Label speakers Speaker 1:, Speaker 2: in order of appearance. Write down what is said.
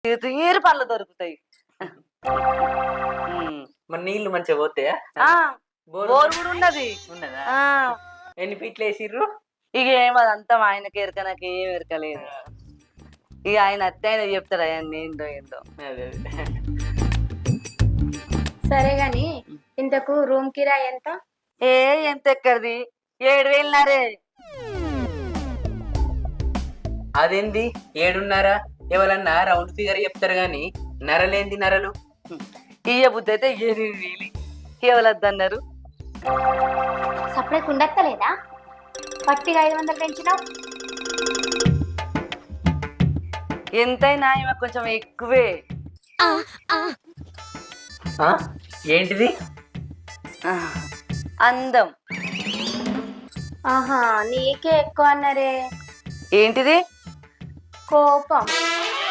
Speaker 1: తీరు పళ్ళు దొరుకుతాయి.
Speaker 2: మరి నీళ్లు మంచిగా పోతాయా?
Speaker 1: బోర్ కూడా ఉన్నది.
Speaker 2: ఉన్నదా? ఎన్ని ఫీట్లు వేసిర్రు?
Speaker 1: ఇక ఏమదంతా ఆయనకి ఎరక, నాకు ఏం ఎరకలేదు. ఇక ఆయన అత్తే ఆయన చెప్తాడు ఆయన ఏందో ఏందో.
Speaker 3: సరే గాని ఇంతకు రూమ్ కిరాయి ఎంత?
Speaker 1: ఎంత ఎక్కడిది, 7,000.
Speaker 2: అదేంది 7.5? ఎవరన్నా రౌండ్ ఫిగర్ చెప్తారు గాని నరలేంది నరలు?
Speaker 1: ఇయ్య బుద్ధి అయితే 8,000. ఎవరద్దన్నారు?
Speaker 3: సపరేట్ ఉండక్కలేదా? పట్టిగా 500 పెంచినావు.
Speaker 1: ఎంతైనా ఈమె కొంచెం ఎక్కువే.
Speaker 2: ఏంటిది?
Speaker 1: అందం.
Speaker 3: ఆహా, నీకే ఎక్కువ అన్నారే.
Speaker 1: ఏంటిది?
Speaker 3: కోపం.